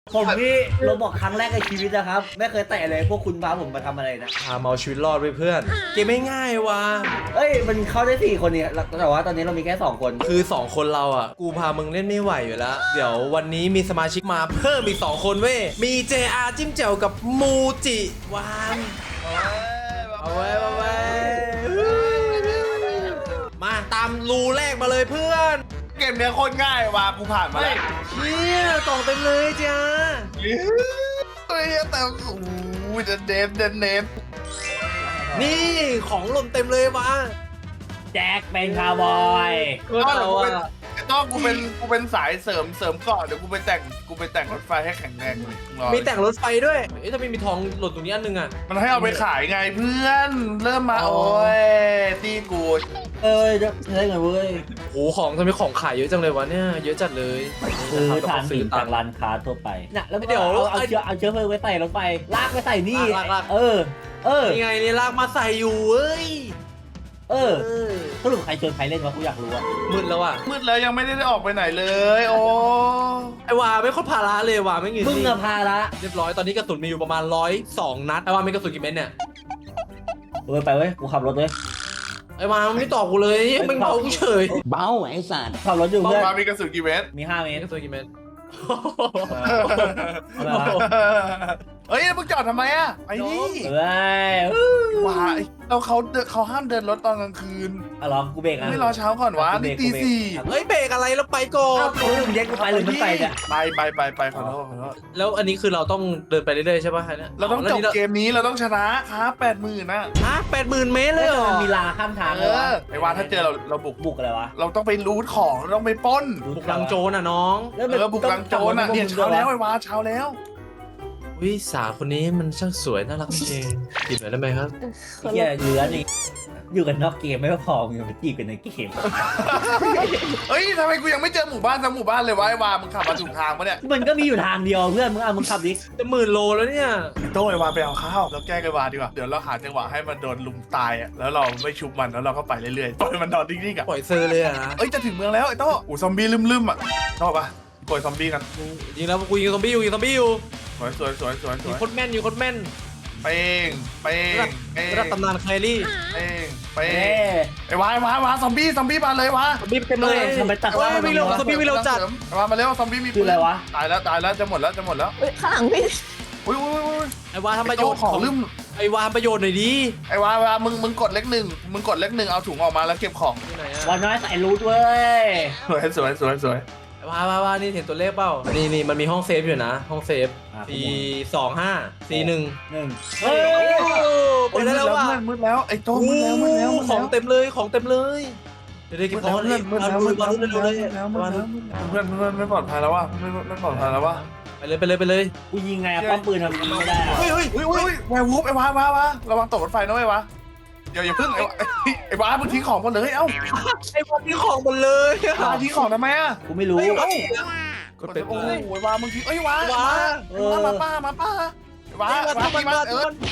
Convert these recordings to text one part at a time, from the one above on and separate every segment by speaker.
Speaker 1: ผมนี่เราบอกครั้งแรกในชีวิตนะครับไม่เคยแตะเลยพวกคุณพาผมมาทำอะไรนะ
Speaker 2: พามาเอาชีวิตรอดไปเพื่อนเกมไม่ง่ายว่ะ
Speaker 1: เอ้ยมันเข้าได้4 คนเนี่ยแต่ว่าตอนนี้เรามีแค่2 คน
Speaker 2: คือ2คนเราอ่ะกูพามึงเล่นไม่ไหวอยู่แล้วเดี๋ยววันนี้มีสมาชิกมาเพิ่มอีก2คนเว้ยมี JR จิ้มแจ่วกับมูจิวานเอาไว้มาตามรูแรกมาเลยเพื่อน
Speaker 3: เกมเนี้ยโคตรง่ายว่ะกูผ่านมาแล้ว
Speaker 2: เชี่ยกล่องเต็มเลยจ้า
Speaker 3: เฮ้ยแต่โอ้ยเดนเนฟ
Speaker 2: นี่ของหล่นเต็มเลยวะ
Speaker 1: แจ็คเป็นคาวบอย
Speaker 3: ต้องกูเป็นสายเสริมเกาะเดี๋ยวกูไปแต่งรถไฟให้แข็งแรงเลยรอ
Speaker 2: มีแต่งรถไฟด้วยเอ๊ะถ้าไม่มีทองหล่นตรงนี้อันนึงอ่ะ
Speaker 3: มันให้เอาไปขายไงเพื่อนเริ่มมา
Speaker 2: อ๋อ
Speaker 3: โอ้ยตีกู
Speaker 1: เอ้ยได้ไงเว้ย
Speaker 2: โอ้ของทำไมของขายเยอะจังเลยวะเนี่ยเยอะจัดเลย
Speaker 1: คือทาน
Speaker 2: ซื้
Speaker 1: หิ
Speaker 2: อน ตา
Speaker 1: จาก
Speaker 2: ม
Speaker 1: ร้านค้าทั่วไปน่ะแล้ว
Speaker 2: เดี๋ยว
Speaker 1: เอาเชื้อเพลิงไว้ใส่รถไฟลากไปใส่นี่
Speaker 2: ลาก
Speaker 1: เออ
Speaker 2: นี่ไงนี่ลากมาใส่อยู่เว้ย
Speaker 1: สรุปใครชวนใครเล่นวะกูอยากรู้อะ
Speaker 2: มืดแล้วอ่ะ
Speaker 3: มืดแล้วยังไม่ได้ออกไปไหนเลย โอ้
Speaker 2: ไอวาไม่ค่อยพาราเลยว่ะไม่เงิน
Speaker 1: มึงอะพาละ
Speaker 2: เรียบร้อยตอนนี้กระสุนมีอยู่ประมาณ102 นัดไอวามีกระสุนกี่เม็ดเนี่ย
Speaker 1: ไปเว้ยกูขับรถเว้ย
Speaker 2: ไอวามันไม่ตอบกูเลยมึงเบากูเฉย
Speaker 4: เบาไอ้สัตว์
Speaker 1: ขับรถอยู่
Speaker 3: บอก
Speaker 1: เพื่อน
Speaker 3: มามีกระสุนกี่เมตร
Speaker 1: มี5 เมตร
Speaker 2: กระสุนกี่เม็ด
Speaker 1: อะไรวะ
Speaker 3: เฮ้ยมึงจอดทำไมอะไปดิ
Speaker 1: เอ้ย
Speaker 3: ว้าเขาห้ามเดินรถตอนกลางคืน
Speaker 1: อะลองกูเบรกอะ
Speaker 3: ไม่รอเช้าก่อนวะนี่ตี 4
Speaker 2: เฮ้ยเบรกอะไรแล้วไปก่อน
Speaker 1: กูเรื่องเย็กกูไปหรือมันไปเนี่ย
Speaker 3: ไปขอโทษ
Speaker 2: แล้วอันนี้คือเราต้องเดินไปเรื่อยๆใช่ป่ะเนี่ย
Speaker 3: เราต้องจบเกมนี้เราต้องชนะครับ80,000นะ
Speaker 2: ฮะ80,000 เมตรเลยเหรอ
Speaker 1: มันมีลาข้ามทางเลยวะ
Speaker 3: ไอ้วานถ้าเจอเราบุก
Speaker 1: บุกอะไรวะ
Speaker 3: เราต้องไปรูทของเราต้องไปปล้น
Speaker 2: บุกลังโจรอ่ะน้อง
Speaker 3: บุกลังโจรอ่ะเนี่ยเช้าแล้วไอ้วานเช้าแล้ว
Speaker 2: วิสาวคนนี้มันช่างสวยน่ารักจริงจีบหน่อยได้ไหมครับ
Speaker 1: ไอ้เหี้ยเหลือนี่อยู่กันนอกเกมไม่พอมึงยังไปจีบกันในเกม
Speaker 3: เฮ้ยทำไมกูยังไม่เจอหมู่บ้านทั้งหมู่บ้านเลยวะไอ้วานมึงขับมาถูกทางปะเนี่ย
Speaker 1: มันก็มีอยู่ทางเดียวเพื่อนมึงขับดิ
Speaker 2: จะ10,000 โลแล้วเนี่ย
Speaker 3: โต้ไอ้วานไปเอาข้าวแล้วแกล้งไอ้วานดีกว่าเดี๋ยวเราหาจังหวะให้มันโดนลุมตายอ่ะแล้วเราไม่ชุบมันแล้วเราก็ไปเรื่อยๆปล่อยมันนอนนิ่งๆอ่ะ
Speaker 2: ปล่อยเซอร์เลยอะนะ
Speaker 3: เอ้ยจะถึงเมืองแล้วไอ้โต้อูซอมบี้ลืมๆอ่ะชอบปะปล่อยซอมบี้กัน
Speaker 2: จริงแล้วกูยิงซอมบี้อยู่
Speaker 3: สวย
Speaker 2: ยิงโคตรแม่นยิงโคตรแม่น
Speaker 3: เป้ง
Speaker 2: ระดับตำนานแครี่
Speaker 3: เป้ง
Speaker 1: เอ้
Speaker 3: ไอ้วาซอมบี้มาเลยวะ
Speaker 2: ซอมบี้เต็มเลย
Speaker 1: ทำไมตัด
Speaker 2: โอ้ยวิ่งเร็วซอมบี้วิ่งเร็วจัด
Speaker 3: ไอ้วามาเร็วซอมบี้มี
Speaker 1: คืออะไรวะ
Speaker 3: ตายแล้วจะหมดแล้ว
Speaker 4: เฮ้ยข้างหลังพี่
Speaker 3: อุ้ย
Speaker 2: ไอ้วาทำประโยชน์
Speaker 3: ของลืม
Speaker 2: ไอ้วาทำประโยชน์หน่อยดิ
Speaker 3: ไอ้วามึงกดเลขหนึ่งเอาถุงออกมาแล้วเก็บของ
Speaker 2: ที่ไหนอะ
Speaker 1: วันน้อยใส่รูทเว้ย
Speaker 3: สวย
Speaker 2: ไอ้วานี่เห็นตัวเลขเปล่านี่มันมีห้องเซฟอยู่นะห้องเซฟ425 41
Speaker 1: เฮ้ย
Speaker 2: เปิดได้แล้วว่ะ
Speaker 3: มืดแล้วไอ้โต้มืดแล้ว
Speaker 2: ของเต็มเลยเดี๋ยวเก็บของเลย
Speaker 3: มืดแล้ว
Speaker 2: เร็วเลย
Speaker 3: เพื่อนไม่ปลอดภัยแล้ววะไม่ปลอดภัยแล้ววะ
Speaker 2: ไปเลย
Speaker 1: กูยิงไงอะป้อมปืนทำยิงไม่ได้อะ
Speaker 2: เฮ้ย
Speaker 3: แวร์วูฟไอ้วาระวังตกรถไฟนะไอ้วาอย่าเพิ่งไอ้วามึงทิ้งของหมดเลยเอ้า
Speaker 2: ไอ้พวกนี้ของหมดเลย
Speaker 3: วาทิ้งของทำไมอ่ะ
Speaker 1: กูไม่รู้
Speaker 2: กดเป็น
Speaker 3: โอ้
Speaker 2: เลย
Speaker 3: โหวามึงทิ้งเอ้ยวามาป้าวาตีมัน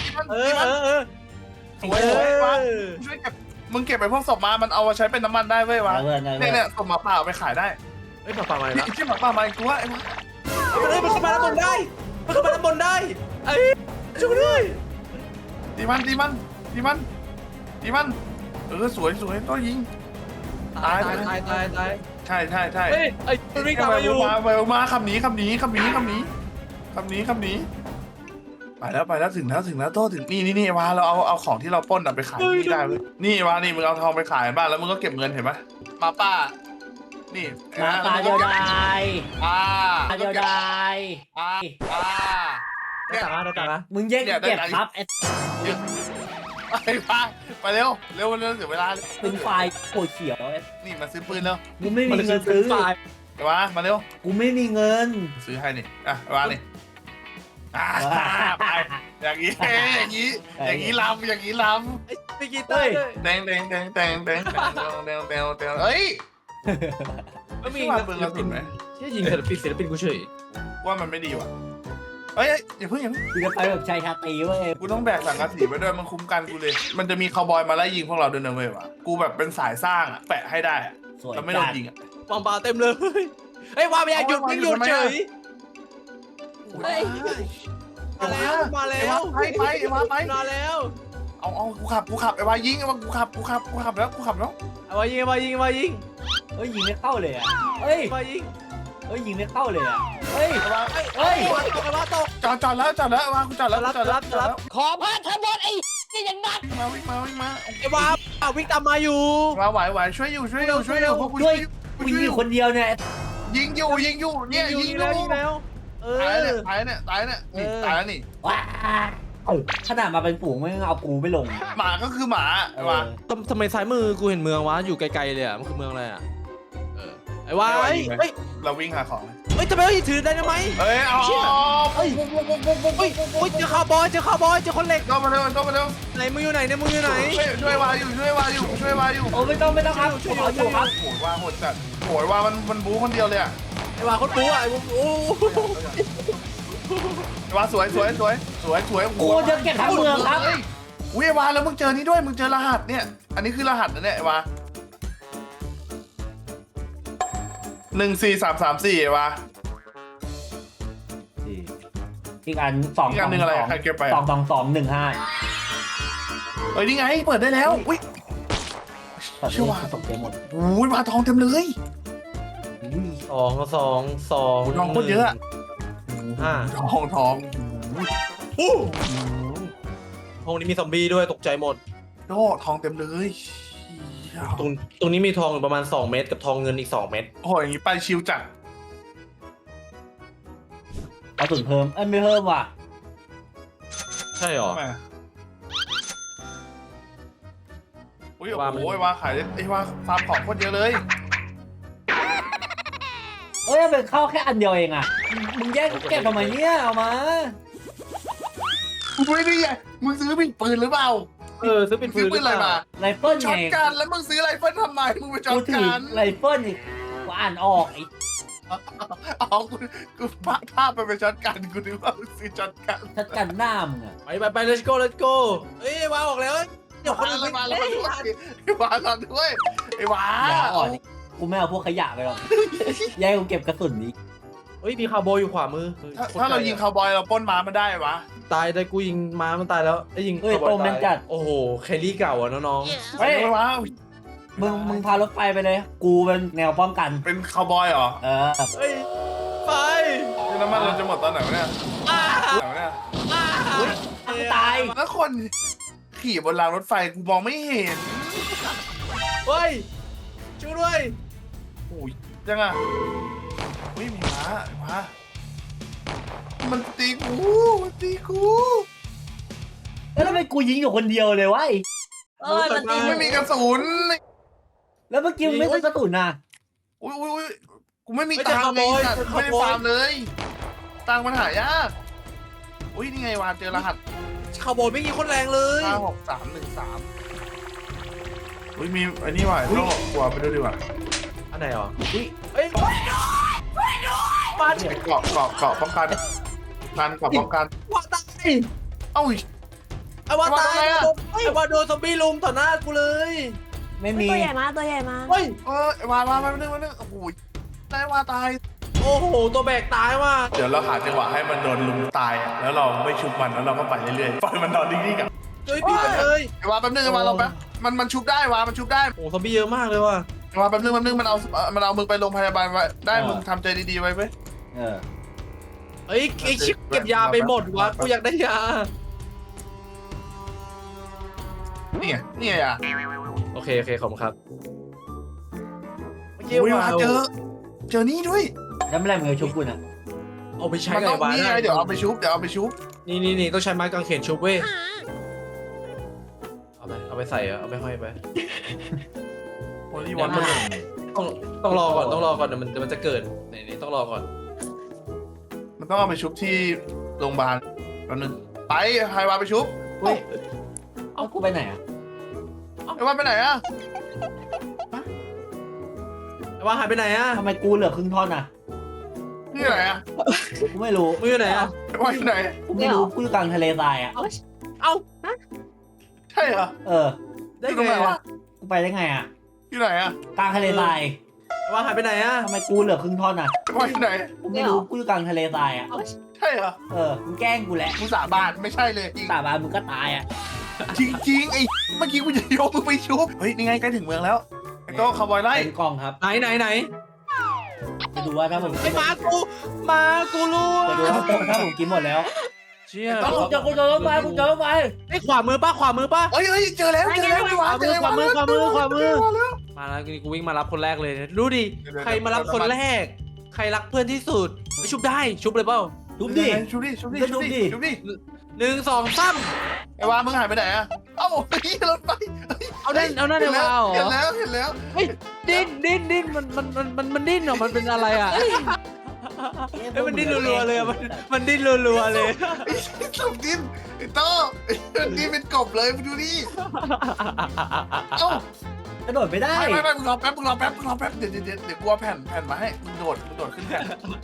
Speaker 3: สวยวาช่วยเก็บมึงเก็บไปพวกศพมามันเอามาใช้เป็นน้ำมันได้เว้ยวะ
Speaker 1: เพื่อน
Speaker 3: เนี่ยศพหมาป่าเอาไปขายได้
Speaker 2: เฮ้ยป่ามาแล้ว
Speaker 3: ที่หมาป่ามาอีกตัวไอ้วา
Speaker 2: มันเข้ามาด้านบนได้ไอ้ช่วยด้วย
Speaker 3: ตีมันสวยตัวยิง
Speaker 2: ตาย
Speaker 3: ใช่
Speaker 2: เฮ้ยไอ้มันวิ่งตามมาอยู่
Speaker 3: มาคำนี้ไปแล้วถึงแล้วโต้ถึงนี่วาเราเอาของที่เราปล้นไปขายที่ได้เลยนี่วานี่มึงเอาทองไปขายบ้านแล้วมึงก็เก็บเงินเห็นไหมมาป้านี่
Speaker 1: มาตาเดียวดาย
Speaker 3: ตา
Speaker 1: เดียวดาย
Speaker 2: ได้ตังค์นะ
Speaker 1: มึงแยกเก็บครับไอ้
Speaker 3: ไปป้าไปเร็วเสียเวลา
Speaker 1: เป็นไฟโคตรเขียว
Speaker 3: นี่มาซื้อปืนแล้ว
Speaker 1: กูไม่มีเงินซื้อ
Speaker 3: วามาเร็ว
Speaker 1: กูไม่มีเงิน
Speaker 3: ซื้อให้นี่วานี่ไปอย่างนี้ลำ
Speaker 2: ไอ้ไปกีเต้ย
Speaker 3: แดงเฮ้ย
Speaker 2: แล้วมี
Speaker 3: ว่าปืนกระสุนไหม
Speaker 2: เชี่ยยิงศิลปินกูเฉย
Speaker 3: ว่ามันไม่ดีว่ะเฮ้ยอย่าเพิ่ง
Speaker 1: กูจะไปแบบชายชาตรีเว้ย
Speaker 3: กูต้องแบกสังกะสีไปด้วยมันคุ้มกันกูเลยมันจะมีคาวบอยมาไล่ยิงพวกเราด้วยนะเว้ยวะกูแบบเป็นสายสร้างอ่ะแปะให้ได้อ่ะ
Speaker 1: สวย
Speaker 3: แล้วไม่โดนยิงอ่ะ
Speaker 2: วางปลาเต็มเลยเฮ้ยวางไม่อยากหยุดไม่หยุดเฉย
Speaker 3: เฮ้ย
Speaker 2: มาแล้วมาแล้ว
Speaker 3: ไปไอ้วาไป
Speaker 2: มาแล้ว
Speaker 3: เอากูขับไอ้วายิงไอ้วากูขับแล้ว
Speaker 2: เอามายิงมายิงมายิง
Speaker 1: เฮ้ยยิงไม่เข้าเลยอ่ะเฮ้ย
Speaker 2: มายิง
Speaker 1: เฮ้ยยิงไม่เข้าเลยอ่ะเฮ้ย
Speaker 2: เฮ้ยตกมาตก
Speaker 3: จอดแล้วไอ้วากูจอดแล้ว
Speaker 2: รับ
Speaker 4: ขอพาทบทไอ้นี่อย่างนั้น
Speaker 3: วิ่งมา
Speaker 2: ไอ้วาวิ่งตามมาอยู่
Speaker 3: มาไหวช่วยอยู่พวกกู
Speaker 1: ช่วยกูยิงอยู่คนเดียวเนี่ย
Speaker 3: ยิงอยู่เนี่ยยิง
Speaker 2: แล้วเอ
Speaker 3: ตายเนี่ยตายแล้วนี่
Speaker 1: ว้าขนาดมาเป็นฝูงไม่เอากูไม่ลง
Speaker 3: หมาก็คือหมาไอ้วา
Speaker 2: ทำไมซ้ายมือกูเห็นเมืองวะอยู่ไกลๆเลยอ่ะมันคือเมืองอะไรอ่ะไอ้วาเฮ้ย
Speaker 3: เราวิ่งหาของ
Speaker 2: เฮ้ยทำไมเราถือได้ไหม
Speaker 3: เอ้ยเอา
Speaker 2: เฮ้ยเจอคาวบอยเจอคนเหล็ก
Speaker 3: ก็มาเร็ว
Speaker 2: ไหนมึงอยู่ไหนเนี่ยมึงอยู่ไหน
Speaker 3: ช่วยวาอยู่
Speaker 1: โอ้ไม่ต้องครับผมเอาอยู่ครับ
Speaker 3: โหยวาโหดจัดโหยวามันบู๊คนเดียวเลยอ่ะ
Speaker 2: ไอ้วาคนปูอ่ะไอ้โอ้
Speaker 3: วาสวย
Speaker 1: กูจะเก็บทั้งเมืองครับ
Speaker 3: อุ้ยวาแล้วมึงเจอนี่ด้วยมึงเจอรหัสเนี่ยอันนี้คือรหัสนะเนี่ยวา14334วา
Speaker 1: อีกอัน2
Speaker 3: อีกอันหนึ่งอะไรใครเก็บไป
Speaker 1: 22215
Speaker 3: เอ้ยนี่ไงเปิดได้แล้วอุ้ย
Speaker 1: ตัดเลยตกใจหมด
Speaker 3: อุ้ยวาทองเต็มเลย
Speaker 2: สอง
Speaker 3: ทองโคตรเยอะ
Speaker 2: 5
Speaker 3: ทอง
Speaker 2: ห้องนี้มีซอมบี้ด้วยตกใจหมด
Speaker 3: โอ้ทองเต็มเลย
Speaker 2: ตรงนี้มีทองประมาณ2เม็ดกับทองเงินอีก2เม็ด
Speaker 3: โอ้ยอย่างนี้ไปชิวจัด
Speaker 1: เอาสุดเพิ่มไม่เพิ่มว่ะ
Speaker 2: ใช่หรอ
Speaker 3: อุ้ยโอ้ยวาขายไอ้วาฟาร์มของโคตรเยอะเลย
Speaker 1: เอ้ยเป็นเข้าแค่อันเดียวเองอ่ะมึงแย่งเก็บทำไมเนี่ยเอามา
Speaker 3: กูไม่ได้ไงมึงซื้อเป็นปืนหรือเปล่า
Speaker 2: ซื้อเป็นปื
Speaker 3: ซื้อน ปืนอะไรมา
Speaker 1: ไรเฟิล
Speaker 3: ช็อ
Speaker 1: ไง
Speaker 3: ตกันแล้วมึงซื้อไรเฟิลทำไมมึงไปช็อ
Speaker 1: กู
Speaker 3: ต
Speaker 1: ถื
Speaker 3: กั
Speaker 1: อน ไรเฟิลอีกกูอ่านออกไอ้
Speaker 3: อ๋อกูภาพไปช็อตกันกูนึกว่ามึงซื้อช็อตกัน
Speaker 1: ชัดกันหน้ามึงอ่ะ
Speaker 2: ไป let's go เอ้ยวาออกแล้วเดี๋ยวคนอื่น
Speaker 3: มาแล้วไอ้วาเราด้วยไอ้วา
Speaker 1: อย่าอ่อนกูไม่เอาพวกขยะไปหรอกแย่งกูเก็บกระสุนนี้
Speaker 2: เฮ้ยมีคาร์โบอยู่ขวามือ
Speaker 3: ถ้าเรายิงคาวบอยเราปล้นม้ามันได้วะ
Speaker 2: ตายได้กูยิงม้ามันตายแล้วไอ้ยิง
Speaker 1: เฮ้ยโปรแมนจัด
Speaker 2: โอ้โหแครี่เก่าอ่ะน้อง
Speaker 1: เฮ้ย
Speaker 3: ไอ้วะ
Speaker 1: มึงพารถไฟไปเลย กูเป็นแนวป้องกัน
Speaker 3: เป็นคาวบอยเหรอ
Speaker 1: เออ
Speaker 2: เฮ้ยไป
Speaker 3: น้ำมันเราจะหมดตอนไหนวะเนี่ยไหนวะเนี่ย
Speaker 1: อุ้ยตาย
Speaker 3: แล้วคนขี่บนรางรถไฟกูมองไม่เห็น
Speaker 2: เฮ้ยช่วยด้วย
Speaker 3: โอ้ยยังอ่ะอุ้ยมีม้ามันตีกู
Speaker 1: แล้วทำไมกูยิงอยู่คนเดียวเลยวะ
Speaker 4: มันตี
Speaker 3: ไม่มีกระสุน
Speaker 1: แล้วเมื่อกี้มึงไม่ใช่กระสุนนะ
Speaker 3: อุ้ยกูไม่มีตังค์ไงสัตว์ไม่ได้ฟาร์มเลยตังค์มันหายากอุ้ยนี่ไงวานเจอรหัส
Speaker 2: คาร์โบไม่มีคนแรงเลย
Speaker 3: 56313อุ้ยมีไอ้นี่ว่ะโลกกลัวไปดูดีกว่า
Speaker 2: อันไหนอ่ะเฮ้ยมา
Speaker 3: เกาะป้องกันเกาะป้องกัน
Speaker 2: ว่าตาย
Speaker 3: เอ้า
Speaker 2: ไอ้ว่าตาย
Speaker 3: ไอ้วาโดนอะไรอะ
Speaker 2: ไอ้ว่าโดนซอมบี้ลุมต่อหน้ากูเลย
Speaker 1: ไม่มี
Speaker 4: ตัวใหญ่มาตัวใหญ่มา
Speaker 2: เฮ้ย
Speaker 3: วามานึงโอ้โหได้วาตาย
Speaker 2: โอ้โหตัวแบกตายว่ะ
Speaker 3: เดี๋ยวเราหาจังหวะให้มันโดนลุมตายอะแล้วเราไม่ชุบมันแล้วเราก็ไปเรื่อยๆปล่อยมันนอนนิ่งๆกับ
Speaker 2: ช่วยพี่เลย
Speaker 3: วาแป๊บนึงวาเราแป๊บมันชุบได้วามันชุบได้
Speaker 2: โอ้ซอมบี้เยอะมากเลยว่ะ
Speaker 3: วาแป๊บนึงมันเอามึงไปโรงพยาบาลไว้ได้มึงทำใจดีๆไว้เว้ย
Speaker 1: เออ
Speaker 2: เฮ้ยไอ้ชิคเก็บยาไปหมดวะกูอยากได้ยา
Speaker 3: นี่ไงอ่ะ
Speaker 2: โอเคขอบคุณครับ
Speaker 3: อุ้ยวาเจอนี่ด้วย
Speaker 1: แล้วไม่ไรมึงจะชุบกูน่ะ
Speaker 2: เอาไปใช้
Speaker 3: มัน
Speaker 2: กับ
Speaker 3: ต้อง
Speaker 2: ไอ้วาน
Speaker 3: นี่ไงเดี๋ยวเอาไปชุบ
Speaker 2: นี่ต้องใช้ไม้กางเขนชุบเว้ยเอาไปใส่เอาไปห้อยไป
Speaker 3: โอ้ยวันมัน
Speaker 2: ต้องรอก่อนเดี๋ยวมันจะเกิดนี่ต้องรอก่อน
Speaker 3: มันต้องเอาไปชุบที่โรงพยาบาลแป๊บนึงไปไฮวาไปชุบ
Speaker 2: เฮ้ย
Speaker 1: เอากูไปไหนอ่ะ
Speaker 3: ไฮวาไปไหนอ่ะ
Speaker 2: ไอ้วานหายไปไหนอะ
Speaker 1: ทำไมกูเหลือครึ่งท่อนอ่ะ
Speaker 3: นี่ไหนอ่ะ
Speaker 1: กูไม่รู้
Speaker 2: มึงอยู่ไหนอะ
Speaker 3: ไฮวาอยู่ไหน
Speaker 1: กูไม่รู้กูอยู่กลางทะเลทรายอ่ะ
Speaker 2: เอ้า
Speaker 3: ใช่เหรอ
Speaker 1: เออ
Speaker 2: ได้
Speaker 3: อยู่ตรง
Speaker 2: ไง
Speaker 3: ไหนวะ
Speaker 2: อะ
Speaker 1: กูไปได้ไงอ่ะ
Speaker 3: อยู่ไหนอ่ะ
Speaker 1: กลางทะเลทราย
Speaker 2: ไอ้วานหายไปไหนอะ
Speaker 1: ทำไมกูเหลือครึ่งท่อนอ่ะ
Speaker 3: ไฮวาอยู่ไหน
Speaker 1: กูไม่รู้กูอยู่กลางทะเลทรายอ่ะ
Speaker 3: ใช่เหรอ
Speaker 1: มึงแกล้งกูแหละ
Speaker 3: กูสาบานไม่ใช่เลยจริง
Speaker 1: สาบานมึงก็ตายอ่ะ
Speaker 3: จริงไอ้เมื่อกี้กูจะโยกมึงไปชุบเฮ้ยนี่ไงใกล้ถึงเมืองแล้วไอ้โต้คาร์บอยไล่
Speaker 1: เป็นกล่องครับ
Speaker 2: ไหน
Speaker 1: ไปดูว่าถ้าผม
Speaker 2: ไอ้มากูรู้
Speaker 1: ไปดูว่าถ้าผมกินหมดแล้ว
Speaker 2: เชี่ย
Speaker 1: กูเจอรถไฟกูเจอรถไฟ
Speaker 2: ไอ้ขวามือป่ะ
Speaker 3: เฮ้ยเจอแล้วไอ้วาเจอไอ้วาแล้ว
Speaker 2: ขวามือ มาแล้วกูวิ่งมารับคนแรกเลยดูดิใครมารับคนแรก ใครรักเพื่อนที่สุดชุบได้ชุบเลยเปล่า
Speaker 1: ทุบดิ
Speaker 3: ชุบดิ
Speaker 2: 1 2 3
Speaker 3: ไอ้วามึงหายไปไหนอะเอ้าเฮ้ยรถไฟ
Speaker 2: เอานั่นเลยว้าว
Speaker 3: เห็นแล้ว
Speaker 2: เฮ้ยดิ้นมันดิ้นเหรอมันเป็นอะไรอ่ะมันดิ้นรัวๆเลยมันดิ้นรัวๆเลย
Speaker 3: ไอ้สมดินไอ้โต้นี่เป็นกบเลยมึงดูดิเอ้าก
Speaker 1: ระโดดไม่ได้
Speaker 3: ไม่มึงรอแป๊บเดี๋ยวกูเอาแผ่นมาให้มึงโดดขึ้นแผ่น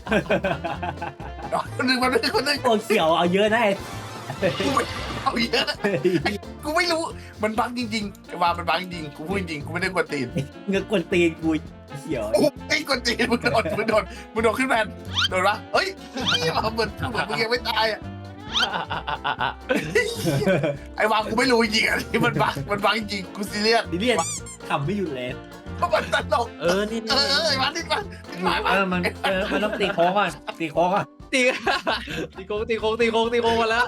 Speaker 3: คนหนึ่ง
Speaker 1: ตัวเขียวเอาเยอะนะ
Speaker 3: กูไม่เอาเยอะกูไม่รู้มันบั๊กจริงๆไอ้วามันบั๊กจริงกูพูดจริงกูไม่ได้กวนตีน
Speaker 1: เงือกกวนตีนกูเขียว
Speaker 3: ไอ้กวนตีนมึงโดดขึ้นแผ่นโดดปะเฮ้ยเหมือนมึงยังไม่ตายอ่ะไอ้วากูไม่รู้จริงอ่ะที่มันบั๊กจริงกูซีเรียส
Speaker 1: ดิเลียนขำไม่หยุดเลย
Speaker 3: เพราะมันตลก
Speaker 2: นี่
Speaker 3: ไอ้วาดิ้นมา
Speaker 1: มันต้องตีโค้งก่อนตีโค้งก่อน
Speaker 2: ตีโค้งมาแล้ว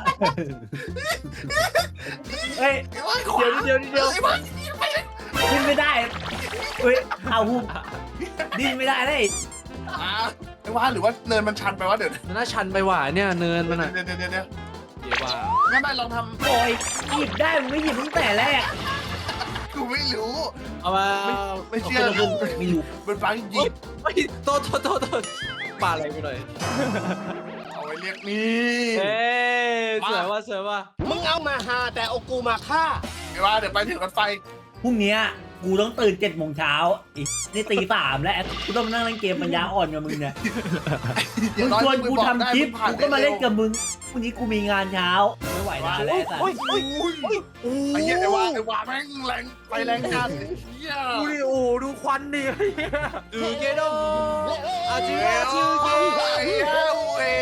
Speaker 1: เฮ้ย
Speaker 3: ไอ้วาขวา
Speaker 2: เดี๋ยว
Speaker 3: ไอ้วา
Speaker 1: ดิ้นไม่ได้เฮ้ยเอาหุบดิ้นไม่ได้เลย
Speaker 3: ไอ้วาหรือว่าเนินมันชันไปวะเดี๋ยว
Speaker 2: มันน่าชันไปหว่าเนี่ยเนินมันอ่ะ
Speaker 3: เดี๋ยว
Speaker 2: เดี๋ยวว่า
Speaker 3: งั้นไม่ลองท
Speaker 1: โอ้ยหยิบได้มึงไม่หยิบตั้งแต่แรก
Speaker 3: ำกูไม่รู้
Speaker 2: เอามา
Speaker 3: ไม่เชื่อ
Speaker 1: ไม่รู้
Speaker 3: มันบั๊กจริง
Speaker 2: โทษปาอะไรไปหน่อย
Speaker 3: เอาไว้เรียกนี่
Speaker 2: เสือว่า
Speaker 4: มึงเอามาหาแต่เอากูมาฆ่า
Speaker 3: ไอ้วาเดี๋ยวไปถึงรถไฟ
Speaker 1: พรุ่งนี้กูต้องตื่น7 โมงเช้าอีกนี่ตี 3แล้วกูต้องนั่งเล่นเกมปัญญาอ่อนกับมึงเนี่ยมึงชวนกูทำคลิปกูก็มาเล่นกับมึงพรุ่งนี้กูมีงานเช้าไม่ไหวนานแล้วแต่
Speaker 3: ไอ้เหี้ยไอ้วาแม่งแรงไปแรงงานเหี้ย
Speaker 2: ดูควันดิเกโดอาจิ
Speaker 3: ไอ้เหี้ยเว้ย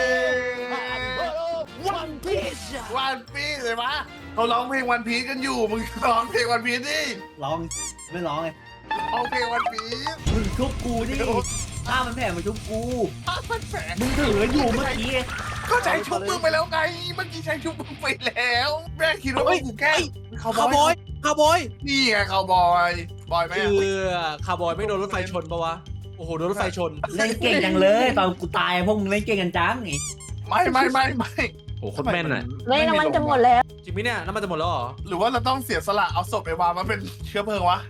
Speaker 4: วันพีช
Speaker 3: วันพีซเลยปะเขาร้องเพลงวันพีซกันอยู่มึงร้องเพลงวันพีซดิ
Speaker 1: ร้องไม่ร้องไง
Speaker 3: ร้องเพลงวันพีซ
Speaker 1: มึงชุบกูดิถ้ามันแผ่มาชุบกู
Speaker 3: มันแฝง
Speaker 1: มึงถืออยู่เมื่อกี้
Speaker 3: ก็ใช้ชุบมึงไปแล้วไงเมื่อกี้ใช้ชุบมึงไปแล้วแม่คิดว่ามึงกูแกล้ง
Speaker 2: คาร์บอย
Speaker 3: นี่ไงคาวบอยบอยไหม
Speaker 2: คาร์บอยไม่โดนรถไฟชนปะวะโอ้โหโดนรถไฟชน
Speaker 1: เล่นเก่งจังเลยตอนกูตายพวกมึงเล่นเก่งกันจังอีก
Speaker 3: ไม่
Speaker 2: โอ้โหโคตรแม่นอ่ะ
Speaker 4: ไม่น้ำมันจะหมดแล้ว
Speaker 2: จริงไหมเนี่ยน้ำมันจะหมดแล้วเหรอ
Speaker 3: หรือว่าเราต้องเสียสละเอาศพไอ้วามาเป็นเชื้อเพลิงวะ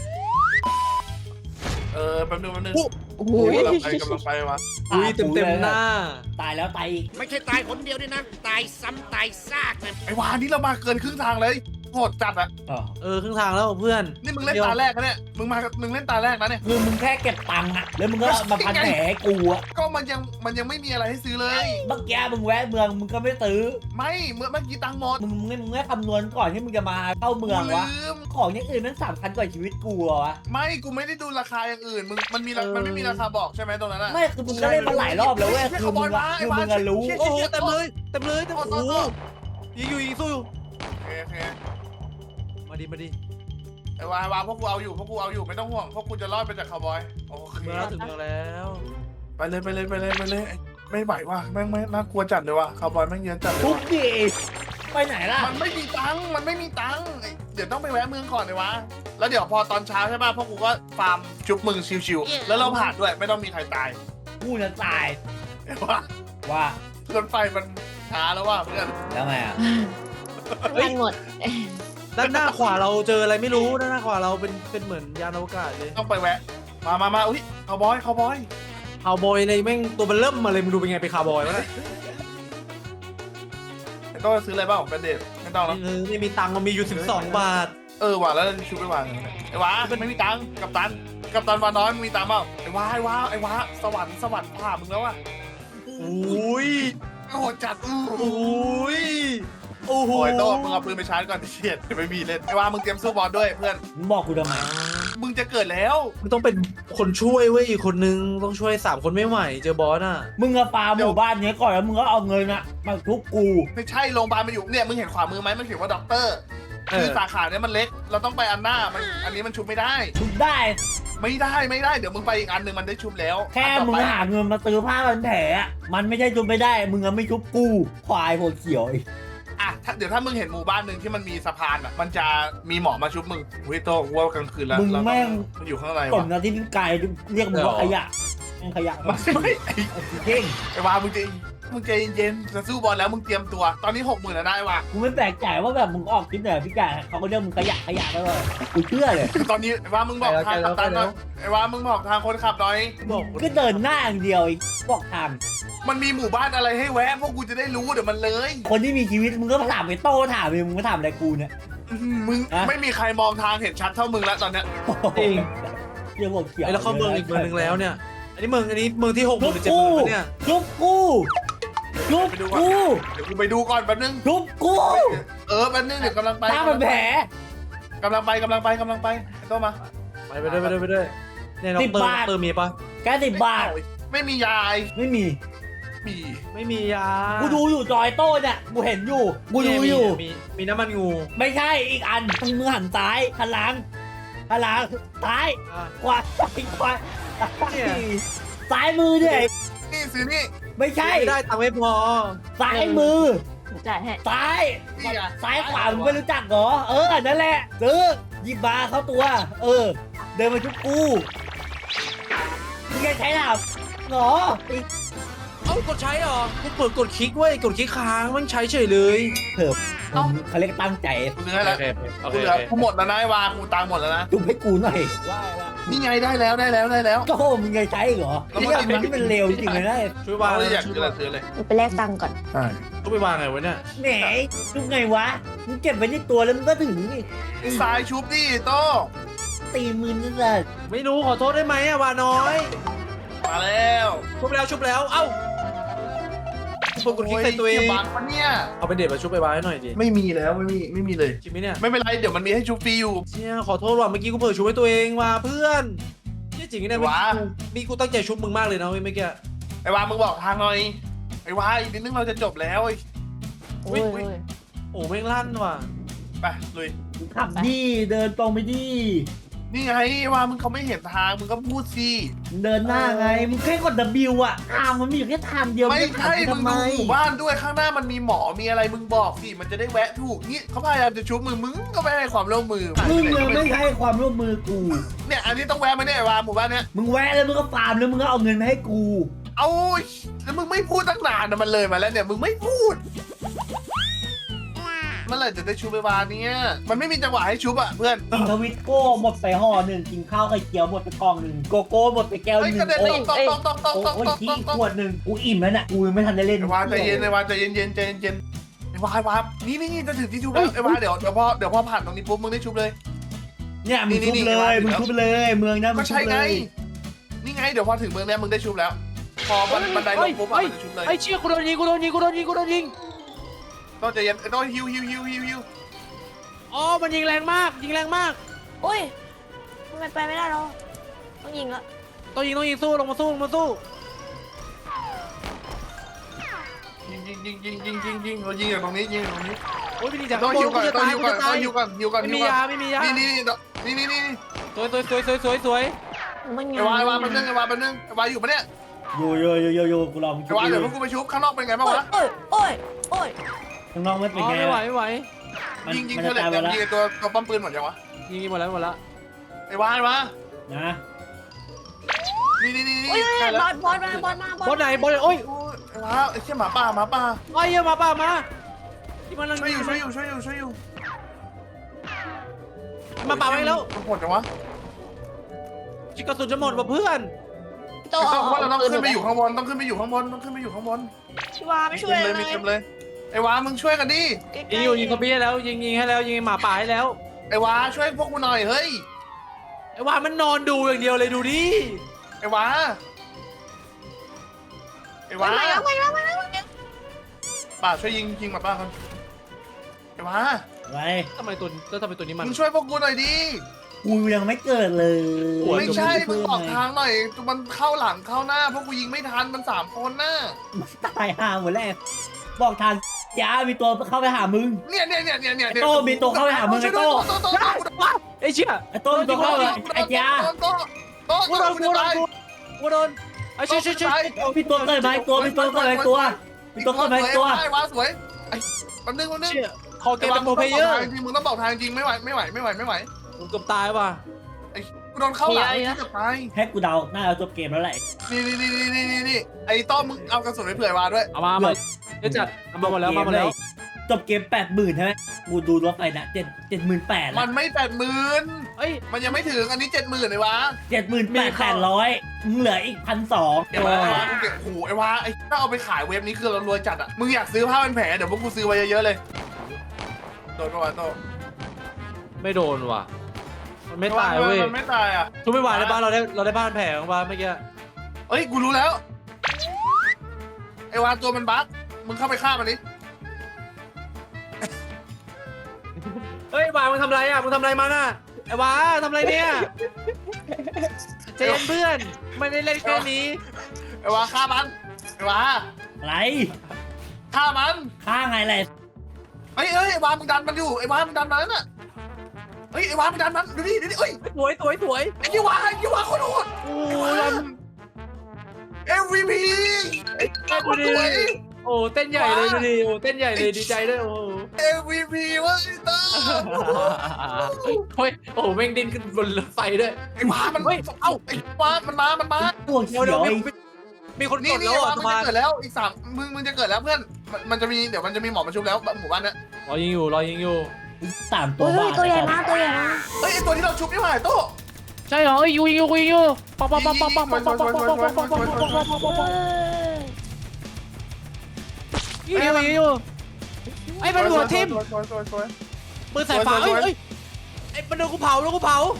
Speaker 3: แป๊บนึง
Speaker 4: โอ้โห
Speaker 3: กำลังไปวะ
Speaker 2: อุ้ยเต็มหน้า
Speaker 1: ตายแล้วตายอีก
Speaker 4: ไม่ใช่ตายคนเดียวด้วยนะ ตายซ้ำตายซากเลย
Speaker 3: ไอ้วานี่เรามาเกินครึ่งทางเลยโหดจัดอะ
Speaker 2: ครึ่งทางแล้วเพื่อน
Speaker 3: นี่มึงเล่นตาแรกนะเนี่ยมึงเล่นตาแรกนะเนี่ย
Speaker 1: คือมึงแค่เก็บตังค์อะแล้วมึงก็มาพันแผลให้กูอะ
Speaker 3: ก็มันยังไม่มีอะไรให้ซื้อเลย
Speaker 1: เมื่อกี้มึงแวะเมืองมึงก็ไม่ซื้อ
Speaker 3: ไม่เมื่อกี้ตังค์หมด
Speaker 1: มึงไม่คำนวณก่อนที่มึงจะมาเข้าเมืองวะ
Speaker 3: ลืม
Speaker 1: ของอย่างอื่นมัน3,000 กว่าชีวิตกูอะวะ
Speaker 3: ไม่กูไม่ได้ดูราคาอย่างอื่นมันไม่มีราคาบอกใช่ไหมตรงนั้นอะ
Speaker 1: ไม่คือมึงก็เล่นมาหลายรอบแล้วเว้ยคือมึงอะรู้
Speaker 2: โอ้โหเต็มเลยโอ้โหยิงสู้อยู่
Speaker 3: โอเค
Speaker 2: มาดิ
Speaker 3: ไอ้วาพวกกูเอาอยู่ไม่ต้องห่วงพวกกูจะรอดไปจากคาวบอยโอเค
Speaker 2: เมื่อถึงแล้ว
Speaker 3: ไปเลยไม่ไหวว่ะแม่งไม่น่ากลัวจัดเลยว่ะคาวบอยแม่งเยอะจัดเลย
Speaker 1: ทุก
Speaker 3: ว่ะ
Speaker 1: ทีไปไหนล่ะ
Speaker 3: มันไม่มีตังค์เดี๋ยวต้องไปแวะเมืองก่อนเลยวะแล้วเดี๋ยวพอตอนเช้าใช่ป่ะพวกกูก็ฟาร์มชุบมึงชิวๆแล้วเราผ่านด้วยไม่ต้องมีใครตาย
Speaker 1: กูจะตาย
Speaker 3: เห็นว่า
Speaker 1: ว่าร
Speaker 3: ถไฟมันช้าแล้วว่ะเพื่อน
Speaker 1: แล้วไงอะ
Speaker 4: มันหมด
Speaker 2: ด้านหน้าขวาเราเจออะไรไม่รู้ด้านหน้าขวาเราเป็นเหมือนยานอวกาศเลย
Speaker 3: ต้องไปแวะมาอุ้ยคาวบอย
Speaker 2: คาวบอยในแม่งตัวมันเริ่มมาเลยมึงดูเป็นไงไปคาวบอยวะเนี่ย
Speaker 3: ต้องซื้ออะไรบ้างเป็นเดทไม่ต้องแล้ว
Speaker 2: ไม่มีตังค์มันมีอยู่12 บาท
Speaker 3: ว่ะแล้วชุบไปวางไอ้วะไม่มีตังค์กัปตันวาน้อยมีตังค์เปล่าไอ้วะสวรรค์ผ่ามึงแล้วอ่ะ
Speaker 2: อุ้ย
Speaker 3: โหดจัด
Speaker 2: อุ้ยโอ้โห
Speaker 3: โอ้ยโต้มึงเอาปืนไปชาร์จก่อนเฉียดไม่มีเล่นไอ้วามึงเตรียมสู้บอลด้วยเพื่อน
Speaker 1: มึงบอกกูทำไม
Speaker 3: มึงจะเกิดแล้ว
Speaker 2: มึงต้องเป็นคนช่วยเว้ยอีกคนนึงต้องช่วย3 คนไม่ไหวเจอบอสอ่ะ
Speaker 1: มึงอะฟาร์มหมู่บ้านเนี้ยก่อนแล้วมึงก็เอาเงินอะมาทุบกู
Speaker 3: ไม่ใช่โรงพยาบาลมันอยู่เนี่ยมึงเห็นขวามือไหมมันเขียนว่าด็อกเตอร์คือสาขาเนี่ยมันเล็กเราต้องไปอันหน้ามันอันนี้มันชุบไม่ได้
Speaker 1: ทุบได้
Speaker 3: ไม่ได้เดี๋ยวมึงไปอีกอันหนึ่งมันได้ชุบแล้ว
Speaker 1: แค่
Speaker 3: อันต่อ
Speaker 1: มึง
Speaker 3: ไป
Speaker 1: หาเงินมาซื้อผ้าพันแผลอะมันไม่ใช่ทุบไม่ได้ มึงอะไม่ทุบกูควายหัวเขียวไอ้
Speaker 3: อ่ะเดี๋ยวถ้ามึงเห็นหมู่บ้านหนึ่งที่มันมีสะพานอ่ะมันจะมีหมอมาชุบมึงเฮ้ยโต้ว่ากลางคืนแล้ว
Speaker 1: มึง
Speaker 3: เราต้อง
Speaker 1: แม่ง
Speaker 3: มันอยู่ข้างใน
Speaker 1: ก่อ
Speaker 3: วะ
Speaker 1: นนะที่มึงไกลเรียกมึงว่าขยะแม่งขยะ
Speaker 3: ไม่ไอ้
Speaker 1: ไอ้เก่ง
Speaker 3: ไอ้วามึงใจเย็นๆจะสู้บอลแล้วมึงเตรียมตัว ตอนนี้60,000แล้วนะไอ้วา
Speaker 1: กูไม่แปลกใจว่าแบบมึงออกคลิปเนี่ยพี่ไก่เขาก็เรียกมึงขยะได้เลยกูเชื่อเลย
Speaker 3: ตอนนี้ไอ้วามึงบอกทางกัปตันหน่อยไอ้วามึงบอกทางคนขับหน่อย
Speaker 1: ก็เดินหน้าอย่างเดียวไอ้บอกทาง
Speaker 3: มันมีหมู่บ้านอะไรให้แวะพวกกูจะได้รู้เดี๋ยวมันเลย
Speaker 1: คนที่มีชีวิตมึงก็ถามไปโต้ถามไปมึงก็ถามอะไรกูเนี่ย
Speaker 3: มึง
Speaker 1: อะ
Speaker 3: ไม่มีใครมองทางเห็นชัดเท่ามึงแล้วตอนเนี้ย
Speaker 2: จริง
Speaker 1: เรียกหัวเขียว
Speaker 2: ไอ้แล้วเข้าเมืองอีกเมืองนึงแล้วเนี่ยอันนี้เมืองที่6
Speaker 1: ทุ
Speaker 2: 0,000
Speaker 1: บ
Speaker 2: หรือ7
Speaker 1: กู
Speaker 2: 0,000เนี่ย
Speaker 1: ทุบกูทุบ
Speaker 3: ไปดูก่อน
Speaker 1: กู
Speaker 3: เดี๋ยวกูไปดูก่อนแป๊บนึง
Speaker 1: ทุบกู
Speaker 3: แป๊บนึงเดี๋ยวกำลังไป
Speaker 1: ตามันแผล
Speaker 3: กำลังไปไอ้โต้มา
Speaker 2: ไปด้วยเนี่ยน้องเติมมีปะ
Speaker 1: แค่10 บาท
Speaker 3: ไม่มียาย
Speaker 1: ไม่มี
Speaker 3: มี
Speaker 2: ไม่มียา
Speaker 1: กูดูอยู่จอยโต้เนี่ยกูเห็นอยู่กูดูอยู่
Speaker 2: มีน้ำมันงู
Speaker 1: ไม่ใช่อีกอันมึงหันซ้ายหันหลังซ้าย
Speaker 2: อ่ะ
Speaker 1: ขวาขวา
Speaker 2: เนี่ย
Speaker 1: ซ้ายมือเนี่ย
Speaker 3: นี่ซื้อนี่
Speaker 1: ไม่ใช่
Speaker 2: ไม่ได้ตังค์ไม่พอ
Speaker 1: ซ้ายมือ
Speaker 4: จ่ายให้
Speaker 1: ซ้าย
Speaker 3: นี่อะ
Speaker 1: ซ้ายขวามึงไม่รู้จักเหรอนั่นแหละซื้อหยิบมาเข้าตัว เดินมาชุบกูมึงจะใช้หรอเหรอ
Speaker 2: เอ้ากดใช้เหรอกูเปิดกดคลิกเว้ยกดคลิกค้างมันใช้เฉยเลย
Speaker 1: เถิบเขาเรียกตั้งใจ
Speaker 3: กูเหลือแล้ว
Speaker 2: โอ
Speaker 3: กู
Speaker 2: เค
Speaker 3: เหลือกูหมดแล้วนะไอ้วากูตังค์หมดแล้วนะ
Speaker 1: จุบให้กูหน่อยว่าละ
Speaker 3: นี่ไงได้แล้ว
Speaker 1: ก็มึงจะใช้เหรอ
Speaker 3: แล้ว
Speaker 1: นี่
Speaker 3: มัน
Speaker 1: มันที่มันเร็วจริงเลยนะ
Speaker 2: ช่วย
Speaker 3: วาว
Speaker 2: าง
Speaker 3: เลยอยากซื้ออะไรซื้อเลย
Speaker 4: ไปแลกตังค์ก่อน
Speaker 3: ใช่
Speaker 2: ต้องไปวางไงวะเนี่ย
Speaker 1: แหนจุบไงวะมึงเก็บไว้ในตัวแล้วมึงก็ถึงนี่
Speaker 3: ทรายชุบดิโต้
Speaker 1: ตีมือนั่นแหละ
Speaker 2: ไม่รู้ขอโทษได้ไหมอะวาน้อย
Speaker 3: มาแล้ว
Speaker 2: ชุบแล้วเอ้าเปิดกดคลิกใส่ตัวเอง
Speaker 3: โยบังมันเนี่ย
Speaker 2: เอาเป็นเด็ดมาชุบไปวางให้หน่อยดิ
Speaker 3: ไม่มีแล้วไม่มีเลย
Speaker 2: จริงไหมเนี่ย
Speaker 3: ไม่เป็นไรเดี๋ยวมันมีให้ชุบฟรีอยู่
Speaker 2: เชี่ยขอโทษว่ะเมื่อกี้กูเผลอชุบให้ตัวเองว่ะเพื่อนเชี่ยจริงเนี่ย
Speaker 3: ว้า
Speaker 2: มีกูตั้งใจชุบมึงมากเลยนะเว้ยเมื่อกี้
Speaker 3: ไอ้วามึงบอกทางหน่อยไอ้วาอีกนิดนึงเราจะจบแล้วไอ้
Speaker 4: โอ้ย
Speaker 2: โอ้แม่งลั่นว่ะ
Speaker 3: ไปลุย
Speaker 1: ขับดีเดินตรงไปดี
Speaker 3: นี่ไงไอ้วามึงเขาไม่เห็นทางมึงก็พูดสิ
Speaker 1: เดินหน้าไงมึงแค่กด W อ่ะทางมันมีอยู่แค่ทางเดียว
Speaker 3: ไม่
Speaker 1: งจะ
Speaker 3: ใช่
Speaker 1: ถา
Speaker 3: มึง
Speaker 1: ทำไม
Speaker 3: ดูหมู่บ้านด้วยข้างหน้ามันมีหมอมีอะไรมึงบอกสิมันจะได้แวะถูกนี่เขาพยายามจะชุบมึงก็ไม่ให้ความร่วมมือ
Speaker 1: มึงยังไม่ให้ความร่วมมือกู
Speaker 3: เนี่ยอันนี้ต้องแวะไหมเนี่ยไอ้วาหมู่บ้านเนี้ย
Speaker 1: มึงแวะแล้วมึงก็ฟาร์มแล้วมึงก็เอาเงินมาให้กู
Speaker 3: เอาแล้วมึงไม่พูดตั้งนานนะมันเลยมาแล้วเนี่ยมึงไม่พูดเมื่อไหร่จะได้ชุบไอ้วาเนี่ยมันไม่มีจังหวะให้ชุบอ่ะเพื่อน
Speaker 1: กินทวิตโก้หมดไปห่อหนึ่งกินข้าวไข่เจียวหมดไปกล่องหนึ่งโกโก้หมดไปแก้วห
Speaker 3: เฮ้ย
Speaker 1: นึ่ง
Speaker 3: กระเด็น
Speaker 1: โอ้
Speaker 3: ตกตก
Speaker 1: โอ้ยขี้ขวดหนึ่งกูอิ่มแล้วน่ะกูยังไม่ทันได้เล่น
Speaker 3: ไอ้วาใจเย็นไอ้วาใจเย็นใจเย็นไอ้วานี่จะถึงที่ชุบแล้วไอ้วาเดี๋ยวพอผ่านตรงนี้ปุ๊บมึงได้ชุบเลย
Speaker 1: เนี่ยมึงทุบเลยมึงทุบเลยเมืองนะมึ
Speaker 3: ก็
Speaker 1: งทุ
Speaker 3: ใช่
Speaker 1: บ
Speaker 3: ไง
Speaker 1: เลย
Speaker 3: นี่ไงเดี๋ยวพอถึงเมืองเนี้ยมึงได้ชุบแล้ว พอบันไดลงปุ๊บมันจะชุบเลย
Speaker 2: ไอ้เชี่ยกูโดนยิง
Speaker 3: ต้องใจเย็นต้องฮิว
Speaker 2: อ๋อมันยิงแรงมาก
Speaker 4: โอ้ยทำไมไปไม่ได้หรอต้องยิงละ
Speaker 2: ต้องยิงสู้ลงมาสู้
Speaker 3: ยิงเรายิงจากตรงนี้ยิงจากตรงนี้
Speaker 2: โอ้ยไม่ดีจัง
Speaker 3: ต้องฮิวก่อน
Speaker 2: จะ
Speaker 3: ต้อง
Speaker 2: ตาย
Speaker 3: ฮิว
Speaker 2: กู
Speaker 3: ก่อน
Speaker 2: จะ
Speaker 3: ต้
Speaker 2: ตา
Speaker 3: อง
Speaker 2: ย
Speaker 3: ฮิวก่อน
Speaker 2: ไม่มียา
Speaker 3: นี่
Speaker 2: สวย
Speaker 4: มันยิง
Speaker 3: ไอ้วาแป๊บนึงไอ้วาอยู่ปะเนี่ย
Speaker 1: อยู่กูรอมึง
Speaker 3: ไอ้วาเดี๋ยวพวกกูไปชุบข้างนอกเป็นไงบ้างวะ
Speaker 4: โอ้ย
Speaker 1: ข้างนอกไม่เป็น
Speaker 2: อ๋อ
Speaker 1: ไง
Speaker 2: ไม่ไหว
Speaker 3: ยิง
Speaker 1: มัน
Speaker 3: เธอ
Speaker 1: จะ
Speaker 3: เหล็
Speaker 1: ตาย
Speaker 3: ก
Speaker 1: ไปแล้ว
Speaker 3: ยิงตัวป้อมปืนหมดยังวะ
Speaker 2: ยิงหมดแล้ว
Speaker 3: ไอ้วา
Speaker 1: นะ
Speaker 3: นี่
Speaker 4: โอ้ยบอลมา
Speaker 2: บอลไหนโอ้ย
Speaker 3: ไอ้วาไอ้เชี่ยหมาป่า
Speaker 2: ไอ้เหี้ยมาป่ามาที่มัน
Speaker 3: ช่วยอยู่
Speaker 2: มาป่าไปแล้ว
Speaker 3: หมดจังวะ
Speaker 2: จิกกระสุนจะหมดว่ะเพื่อน
Speaker 4: โต
Speaker 3: เราต้องขึ้นไปอยู่ข้างบน
Speaker 4: ชิวาไม่ช่วยเลย
Speaker 3: มีเต็มเลยไอ้วามึงช่วยกันดิ
Speaker 2: ยิงซอมบี้ให้แล้วยิงให้แล้วยิงหมาป่าให้แล้ว
Speaker 3: ไอ้วาช่วยพวกกูหน่อยเฮ้ย
Speaker 2: ไอ้ว่ามันนอนดูอย่างเดียวเลยดูดิ
Speaker 3: ไอ้วา
Speaker 4: มาแล้ว
Speaker 3: ป้าช่วยยิงหมาป่ากันไอ้วา
Speaker 1: อะไร
Speaker 2: ทำไมตัวนี้มัน
Speaker 3: มึงช่วยพวกกูหน่อยดิ
Speaker 1: กูยังไม่เกิดเลย
Speaker 2: โอ้ย
Speaker 3: ไม่ใช่มึงบอกทางหน่อยมันเข้าหลังเข้าหน้าพวกกูยิงไม่ทันมัน3 คนน่ะ
Speaker 1: มันตายห่าหมดแล้วบอกทางยามีตัวเข้าไปหามึง
Speaker 3: เนี่ย
Speaker 1: โต้มีตัวเข้าไปหามึงไอ้โต้
Speaker 2: ไอ้เชี่ย
Speaker 1: ไอ้โต้มีตัวเข้าไปไอ้ยา
Speaker 3: โต้
Speaker 2: กูโดนกูโดนไอ้เชี่ย
Speaker 1: มีตัวเกิดมาอีกตัวมีตัวเกิดมาอีกตัวมีตัวเกิดมาอีกตัว
Speaker 3: ไอ้วาสวยไอ้มันนึง
Speaker 2: เชี่ยคอเกมเป็นโปรเพลเยอร์
Speaker 3: จริงมึงต้องบอกทางจริงไม่ไหว
Speaker 2: ผมเกือบตายว่ะ
Speaker 3: ไอ้กูโดนเข้าหลังที่จะตาย
Speaker 1: ให้กูเดาน่าจะจบเกมแล้วแหละ
Speaker 3: นี่ไอ้ต้อมมึงเอากระสุนไปเผื่อวาด้วย
Speaker 2: เอามาเดี๋ยวจัดมาหมดแล้ว
Speaker 1: จบเกม80,000ใช่ไหมกูดูรถไฟนะ78,000แล้ว
Speaker 3: มันไม่80,000
Speaker 2: เอ้ย
Speaker 3: มันยังไม่ถึงอันนี้70,000เลยวะ
Speaker 1: 78,800มึงเหลืออีก1,200
Speaker 3: เดี๋ยวมากูเก็บโอ้โหไอ้วาไอ้ถ้าเอาไปขายเว็บนี้คือเรารวยจัดอ่ะมึงอยากซื้อผ้าเป็นแผลเดี๋ยวพวกกูซื้อไว้เยอะๆเลยโดนปะวะโต้
Speaker 2: ไม่โดนว่ะมันไม่ตายเว้ย
Speaker 3: มันไม่ตายอ่ะ
Speaker 2: ทุกไม่ไหวในบ้านเราได้บ้านแผลของบ้านเมื่อกี้
Speaker 3: เอ้ยกูรู้แล้วไอ้วาตัวมันบั๊กมึงเข้าไปฆ่ามันดิ
Speaker 2: เฮ้ยวามึงทำไรอ่ะมึงทำไรมันอ่ะไอ้วาทำไรเนี่ยเจนเพื่อนไม่ได้เล่นแค่นี้
Speaker 3: ไอ้วาฆ่ามันไอ้วา
Speaker 1: อะไร
Speaker 3: ฆ่ามัน
Speaker 1: ฆ่าไงแหละ
Speaker 3: ไอ้ไอ้วามึงดันมันอยู่ไอ้วามึงดันมันน่ะเฮ้ยไอ้วามึงดันมันดูดิเอ้ย
Speaker 2: สวย
Speaker 3: ไอ้ยี่วาคนโหด
Speaker 2: โอ้ย
Speaker 3: MVP ไอ้ตาคนสวย
Speaker 2: โอ้เต้นใหญ่เลยดูดิโอ้เต้นใหญ่เลยดีใจด้วยโอ้
Speaker 3: MVP วะไอ้ตา
Speaker 2: เฮ้ยโอ้แม่งดิ้นขึ้นบนรถไฟด้วย
Speaker 3: ไอ้วามันเอ้าไอ้วามันมา
Speaker 1: ตัวเขี
Speaker 2: เดี๋
Speaker 1: ย
Speaker 2: ยว
Speaker 1: วไอ้
Speaker 2: มีคน
Speaker 3: นี่
Speaker 2: กด
Speaker 3: นี่
Speaker 2: แล้ว
Speaker 3: วา
Speaker 2: อ่ะ
Speaker 3: มึ
Speaker 2: ส
Speaker 3: ง
Speaker 2: มา
Speaker 3: จะเกิดแล้วอีก3มึงจะเกิดแล้วเพื่อนมันจะมีเดี๋ยวมันจะมีหมอมาชุบแล้วหมู่บ้านนะ
Speaker 2: รอยิงอยู่
Speaker 1: 3 ตัว
Speaker 4: เฮ้
Speaker 1: บ้าย
Speaker 4: ตัวใหญ่มากตัวใหญ่มาก
Speaker 3: เฮ้ยไอ้ตัวที่เราชุบนี่หว่าโต้
Speaker 2: ใช่เหรอยิงอยู่ปังอยู่ไอ้มันหัวทิ่ม
Speaker 3: สวย
Speaker 2: ปืนสายฟ้าเอ้ยไอ้มันโดนกูเผาโต้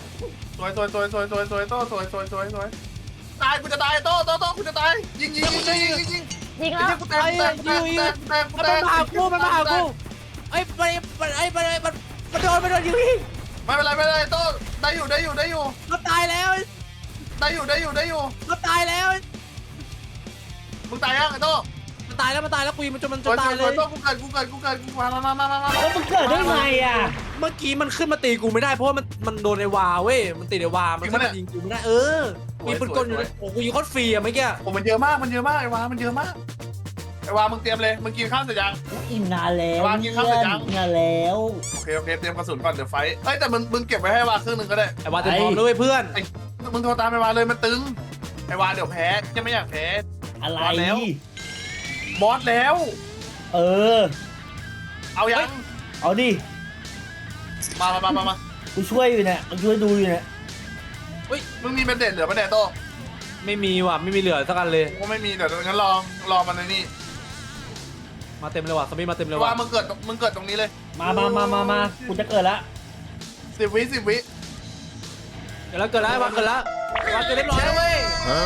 Speaker 3: ตายกูจะตายโต้กูจะตายยิง
Speaker 4: ยิงแล้ว
Speaker 3: กูแตก
Speaker 2: มันมาหากูไอ้มันโดนยิง
Speaker 3: ไม่เป็นไรโต้ได้อยู่
Speaker 2: มันตายแล้ว
Speaker 3: ได้อยู่
Speaker 2: มันตายแล้ว
Speaker 3: มึงตายยังไอ้โต้
Speaker 2: มันตายแล้วกูยิงมันจนมัน
Speaker 3: สวย
Speaker 2: ตายเลย
Speaker 3: โต้กูเกิดกูมา
Speaker 1: แล้วมันเกิดได้ไงอ่ะ
Speaker 2: เมื่อกี้มันขึ้นมาตีกูไม่ได้เพราะว่ามันโดนไอ้วาเว้ยมันติดไอ้วามันขึ้นมายิงกูไม่ได้มีปืนกลอยู่โอ้กูยิงโคตรฟรีอะเมื่อกี้
Speaker 3: โอ้มันเยอะมากไอ้วามันเยอะมากไอ้วามึงเตรียมเลยมึงกินข้าวเสร็จยัง
Speaker 1: อิ่มนานแล้ว
Speaker 3: วางกินข้าวเสร็จยัง
Speaker 1: นานแล้ว
Speaker 3: โอเคเตรียมกระสุนก่อนเดี๋ยวไฟเฮ้ยแต่มึงเก็บไว้ให้วาครึ่งนึงก็ได้
Speaker 2: ไอ้วาเต็มพร้อมด้วยเพื่อน
Speaker 3: มึงโทรตามไอ้วาเลยมันตึงไอ้วาเดี๋ยวแพ้จะไม่อยากแพ้
Speaker 1: อะไร
Speaker 3: วางแล้ว บอสแล้ว
Speaker 1: เออ
Speaker 3: เอายัง
Speaker 1: เอาดิ
Speaker 3: มา
Speaker 1: กูช่วยอยู่เนี่ยกูช่วยดูอยู่เนี่ย
Speaker 3: มึงมีเป็นเด็ดเหลือเป็นเด็ดโต
Speaker 2: ไม่มีว่ะไม่มีเหลือสักอันเลย
Speaker 3: กูไม่มีเดี๋ยวงั้นรอมันในนี่
Speaker 2: มาเต็มเลยว่ะสมิธมาเต็มเลย
Speaker 3: ว่า
Speaker 2: ว่ะ
Speaker 3: มึงเกิดตรงนี้เลย
Speaker 1: มากูจะเกิดละ
Speaker 3: 10 วิ
Speaker 2: เกิดแล้ววาเกิดแล้วเรียบร้อยแล้วเว้ย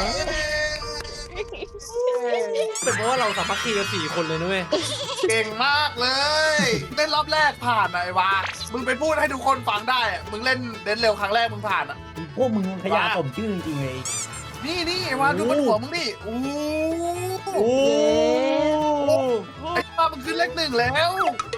Speaker 2: เป็นเพราะว่าเราสามัคคีกัน4 คนเลยนะเว้ย
Speaker 3: เก่งมากเลยเล่นรอบแรกผ่านอะไอ้วามึงไปพูดให้ทุกคนฟังได้อะมึงเล่นเดนเร็วครั้งแรกมึงผ่านอะ
Speaker 1: พวกมึงขยะสมชื่อจริงๆเลย
Speaker 3: นี่ไอ้วาดูบนหัวมึงดิโอ้
Speaker 2: โอ้
Speaker 3: ไอ้วามึงขึ้นเลข1แล้ว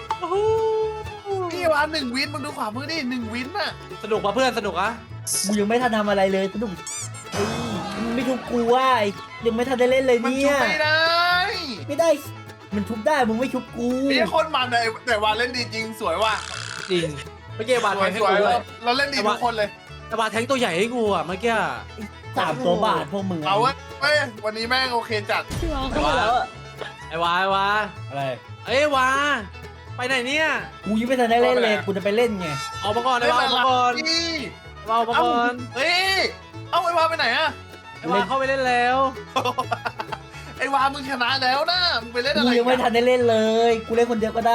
Speaker 3: นี่วา1 วินมึงดูขวามือดิ1 วินน่ะ
Speaker 2: สนุกป่ะเพื่อนสนุกอ่ะ
Speaker 1: กูยังไม่ทันทำอะไรเลยสนุกเฮ้ยมึงไม่ทุบกูว่ายังไม่ทันได้เล่นเลย
Speaker 3: มัน
Speaker 1: เนี่
Speaker 3: ชุบ
Speaker 1: ย
Speaker 3: ไม่ได้
Speaker 1: ไม่ได้ มันทุบได้มึงไม่ทุบกู
Speaker 3: นี่คนมันเลยแต่วาเล่นดีจริงสวยว่ะ
Speaker 2: จริงเมื่อกี้วา
Speaker 3: ส
Speaker 2: แท
Speaker 3: วย
Speaker 2: งให้
Speaker 3: สวย
Speaker 2: กูด้วย
Speaker 3: เราเล่นดีทุกคนเลย
Speaker 2: แต่วาแทงตัวใหญ่ให้กูอ่ะเมื่อกี้
Speaker 1: 3 ตัวบาทพวกมึง
Speaker 3: เอาเว้ยวันนี้แม่งโอเคจัด
Speaker 2: ไอ้วา
Speaker 1: อะไร
Speaker 2: เอ้ยวาไปไหนเนี่ย
Speaker 1: กูยังไม่ทันได้เล่นเลยกูจะไปเล่นไง
Speaker 2: ออกมาก่อนไอ้วาออกมาก่อน
Speaker 3: นี่
Speaker 2: ออกมาก่อน
Speaker 3: เฮ้ยเอ้าไอ้วาไปไหนอะ
Speaker 2: ไอ้วาเข้าไปเล่นแล้ว
Speaker 3: ไอ้วามึงชนะแล้วนะมึงไปเล่นอะ
Speaker 1: กู
Speaker 3: ไร
Speaker 1: ยังไม่ทันได้เล่นเลยกูเล่นคนเดียวก็ได้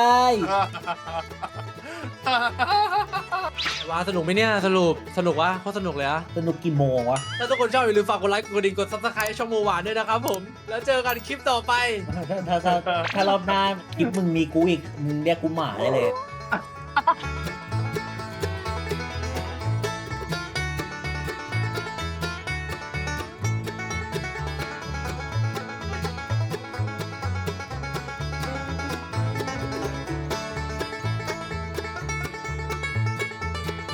Speaker 2: ไอ้วาสนุกไหมเนี่ยสนุกวะโคตรสนุกเลยอะ
Speaker 1: สนุกกี่โมงวะ
Speaker 2: ถ้าทุกคนชอบอย่าลืมฝากกดไลค์กดกระดิ่งกด subscribe ช่องโมหวานด้วยนะครับผมแล้วเจอกันคลิปต่อไป
Speaker 1: ถ้ารอบหน้าคลิปมึงมีกูอีกมึงเรียกกูหมาได้เลย
Speaker 3: อ่ะ